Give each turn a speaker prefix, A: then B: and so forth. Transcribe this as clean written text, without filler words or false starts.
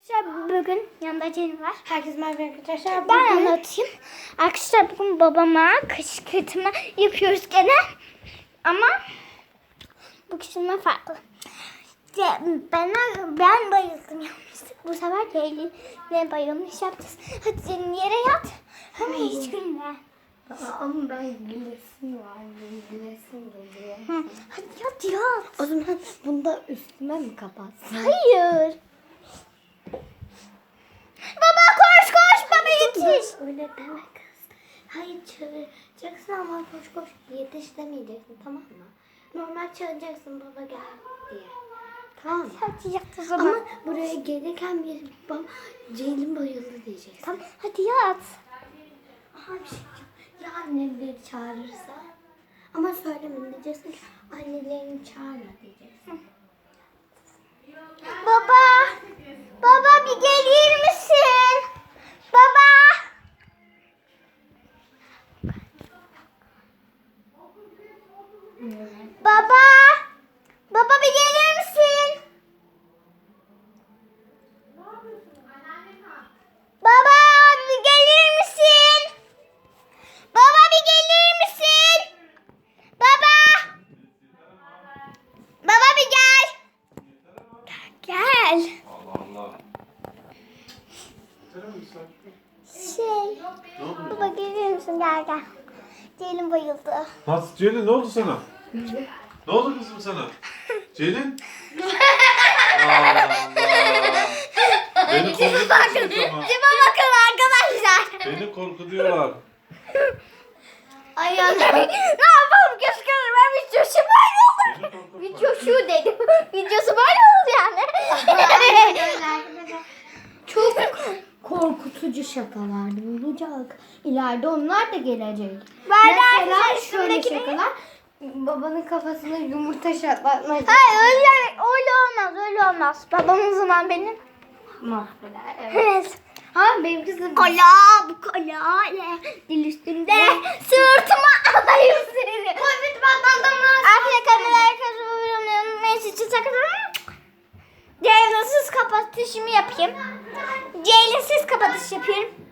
A: Bugün yanında Ceylin var.
B: Herkes merhaba arkadaşlar.
A: Ben anlatayım. Arkadaşlar bugün babama kışkırtma yapıyoruz gene. Ama bu kışkırtma farklı. Ben bayıldım yapmıştık. Bu sefer Ceylin'le bayılmış yapacağız. Hadi Ceylin yere yat. Ama hiç gülme.
B: Ama ben gülesim var. Gülesim geliyor.
A: Hadi yat.
B: O zaman bunu da üstüme mi kapatsın?
A: Hayır. Baba koş baba yetiş.
B: Öyle deme kız. Hayır çağıracaksın ama koş yetiş demeyeceksin, tamam mı? Normal çağıracaksın baba gel diye. Tamam mı?
A: Hadi yat o zaman.
B: Ama buraya gelirken bir babam Ceylin bayıldı diyeceksin.
A: Tamam hadi yat.
B: Aha bir şey diyeceğim. Ya annemleri çağırırsa? Ama söyleme, diyeceksin ki annelerini çağırma diyeceksin.
A: Baba bir gelir misin? Baba. Baba bir gelir misin? Baba bir gelir misin? Baba bir gelir misin? Baba bir gel. Gel.
C: Allah Allah.
A: Baba gelir misin? Gel. Ceylin bayıldı.
C: Nasıl Ceylin, ne oldu sana? Ne oldu kızım sana? Ceylin? Allah. Beni korkutuyorsun ama.
A: Tipe bakın arkadaşlar.
C: Beni korkutuyorlar.
B: Ay
A: Ne yapalım keşke ben videosu böyle olur.
C: Beni korkutuyorlar.
A: Videosu dedim. Videosu böyle oldu yani.
B: çok korkutucu şakalardı bulacak. İleride onlar da gelecek.
A: Mesela
B: Mesela şöyle
A: üstündeki ne?
B: şakalar. Babanın kafasına yumurta şatlatmak.
A: Hayır öyle olmaz. Babamın zaman benim.
B: Mahveder. Evet.
A: Evet.
B: Ha benim kızım.
A: Bu kola dil üstünde sırtıma alayım seni.
B: Covid patladım lan.
A: Arkadaşlar kameraları kazanıyorum. Unutmayın sizi takılalım. Ceylin'siz kapatışımı yapayım. Ceylin'siz kapatış yapıyorum.